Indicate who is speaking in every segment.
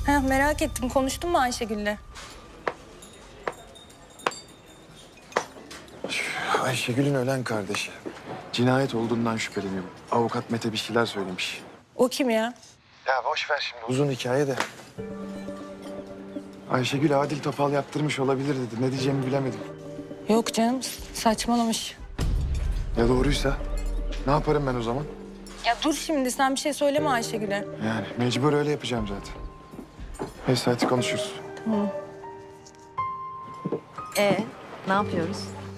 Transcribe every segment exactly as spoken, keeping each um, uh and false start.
Speaker 1: Ha, merak ettim. Konuştun mu Ayşegül'le?
Speaker 2: Ayşegül'ün ölen kardeşi. Cinayet olduğundan şüpheleniyorum. Avukat Mete bir şeyler söylemiş.
Speaker 1: O kim ya?
Speaker 2: Ya boş ver şimdi. Uzun hikaye de. Ayşegül Adil Topal yaptırmış olabilir dedi. Ne diyeceğimi bilemedim.
Speaker 1: Yok canım, saçmalamış.
Speaker 2: Ya doğruysa? Ne yaparım ben o zaman?
Speaker 1: Ya dur şimdi, sen bir şey söyleme Ayşegül'e.
Speaker 2: Yani mecbur öyle yapacağım zaten. Neyse hadi konuşuruz.
Speaker 1: Tamam.
Speaker 3: Ee, ne yapıyoruz?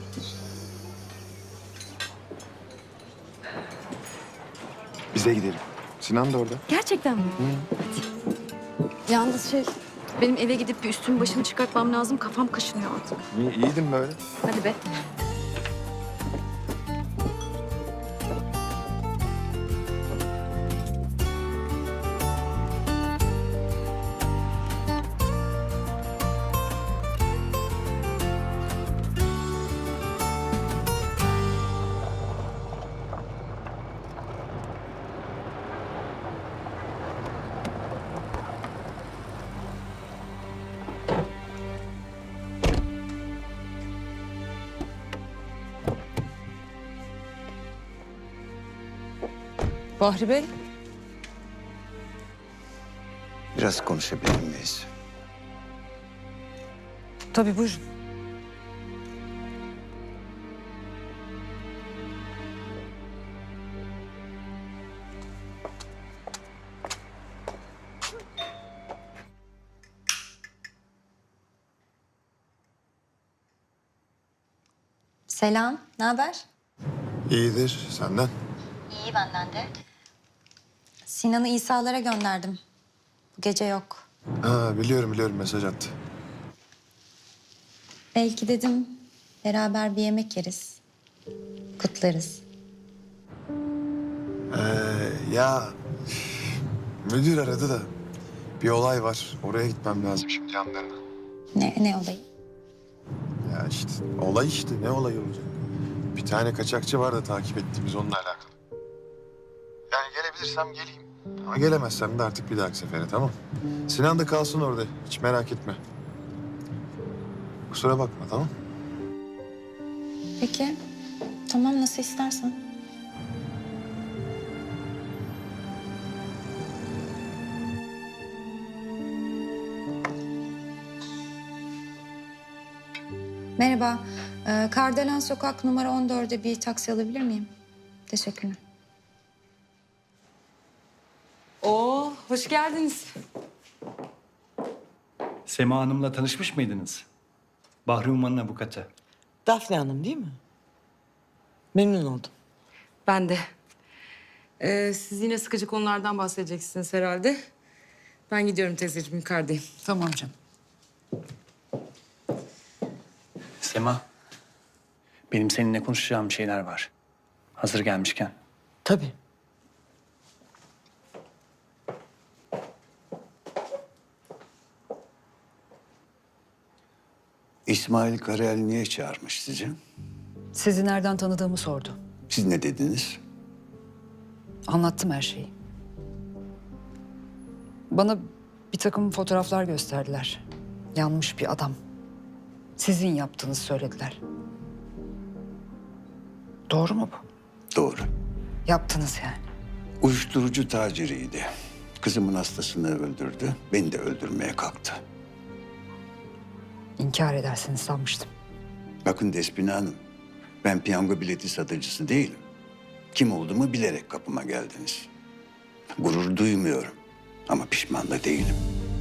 Speaker 2: Bize gidelim. Sinan da orada.
Speaker 3: Gerçekten mi? Yalnız şey, benim eve gidip bir üstümü başımı çıkartmam lazım. Kafam kaşınıyor artık.
Speaker 2: İyi, iyiydim böyle.
Speaker 3: Hadi be.
Speaker 1: Bahri Bey.
Speaker 4: Biraz konuşabilir miyiz?
Speaker 1: Tabii, buyurun.
Speaker 5: Selam, ne haber?
Speaker 2: İyidir. Senden?
Speaker 5: İyi benden de. Sinan'ı İsa'lara gönderdim. Bu gece yok.
Speaker 2: Ha biliyorum biliyorum mesaj attı.
Speaker 5: Belki dedim beraber bir yemek yeriz. Kutlarız.
Speaker 2: Ee, ya müdür aradı da bir olay var. Oraya gitmem lazım şimdi yanlarına.
Speaker 5: Ne, ne olayı?
Speaker 2: Ya işte olay işte ne olay olacak? Bir tane kaçakçı var da takip ettiğimiz onunla alakalı. Yani gelebilirsem geleyim. Ama gelemezsem de artık bir dahaki sefere tamam. Sinan da kalsın orada hiç merak etme. Kusura bakma tamam.
Speaker 5: Peki, tamam nasıl istersen. Merhaba, ee, Kardelen Sokak numara on dörde bir taksi alabilir miyim? Teşekkürler.
Speaker 6: Oo, hoş geldiniz.
Speaker 7: Sema Hanım'la tanışmış mıydınız? Bahri Umman'ın avukatı.
Speaker 8: Dafne Hanım değil mi? Memnun oldum.
Speaker 6: Ben de. Ee, siz yine sıkıcı konulardan bahsedeceksiniz herhalde. Ben gidiyorum teyzeciğim, yukarıdayım.
Speaker 8: Tamam canım.
Speaker 7: Sema, benim seninle konuşacağım şeyler var. Hazır gelmişken.
Speaker 8: Tabii.
Speaker 4: İsmail Karayel niye çağırmış sizi?
Speaker 9: Sizi nereden tanıdığımı sordu.
Speaker 4: Siz ne dediniz?
Speaker 9: Anlattım her şeyi. Bana bir takım fotoğraflar gösterdiler. Yanmış bir adam. Sizin yaptığınızı söylediler. Doğru mu bu?
Speaker 4: Doğru.
Speaker 9: Yaptınız yani.
Speaker 4: Uyuşturucu taciriydi. Kızımın hastasını öldürdü. Beni de öldürmeye kalktı.
Speaker 9: İnkar edersiniz sanmıştım.
Speaker 4: Bakın Despina Hanım, ben piyango bileti satıcısı değilim. Kim olduğumu bilerek kapıma geldiniz. Gurur duymuyorum ama pişman da değilim.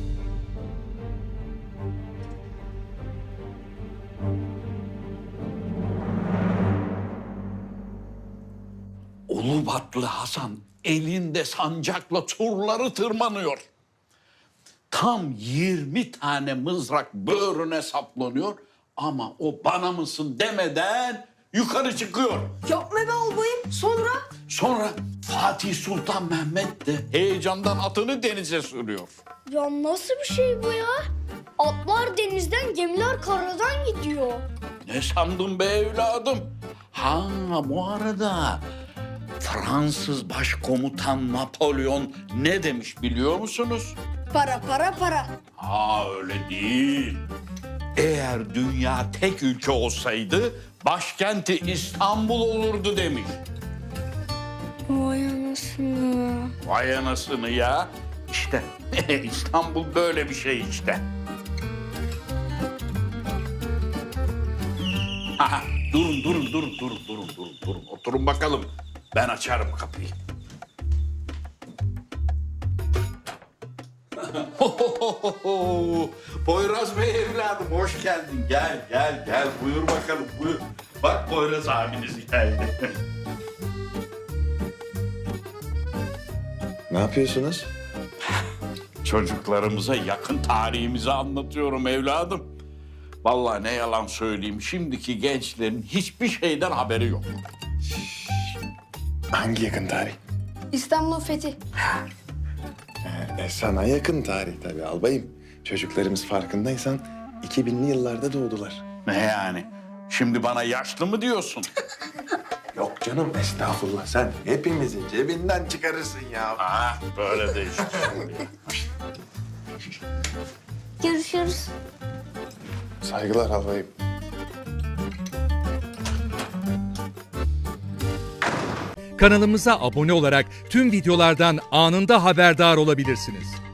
Speaker 10: Ulubatlı Hasan elinde sancakla surları tırmanıyor. Tam yirmi tane mızrak böğrüne saplanıyor ama o bana mısın demeden yukarı çıkıyor.
Speaker 3: Yapma be albayım. Sonra?
Speaker 10: Sonra Fatih Sultan Mehmet de heyecandan atını denize sürüyor.
Speaker 11: Ya nasıl bir şey bu ya? Atlar denizden, gemiler karadan gidiyor.
Speaker 10: Ne sandın be evladım? Ha bu arada Fransız başkomutan Napolyon ne demiş biliyor musunuz?
Speaker 11: Para para para.
Speaker 10: Aa öyle değil. Eğer dünya tek ülke olsaydı başkenti İstanbul olurdu demiş.
Speaker 11: Vay anasını.
Speaker 10: Vay anasını ya. İşte İstanbul böyle bir şey işte. Aha, durun durun durun durun durun durun durun. Oturun bakalım. Ben açarım kapıyı. Poyraz Bey evladım hoş geldin. Gel gel gel buyur bakalım buyur. Bak Poyraz abiniz geldi.
Speaker 2: Ne yapıyorsunuz?
Speaker 10: Çocuklarımıza yakın tarihimizi anlatıyorum evladım. Vallahi ne yalan söyleyeyim şimdiki gençlerin hiçbir şeyden haberi yok.
Speaker 2: Hangi yakın tarih?
Speaker 11: İstanbul'un fethi.
Speaker 2: E, sana yakın tarih tabii albayım. Çocuklarımız farkındaysan iki binli yıllarda doğdular.
Speaker 10: Ne yani? Şimdi bana yaşlı mı diyorsun?
Speaker 2: Yok canım estağfurullah sen hepimizin cebinden çıkarırsın ya.
Speaker 10: Ha, böyle de işte.
Speaker 11: Görüşürüz.
Speaker 2: Saygılar albayım.
Speaker 12: Kanalımıza abone olarak tüm videolardan anında haberdar olabilirsiniz.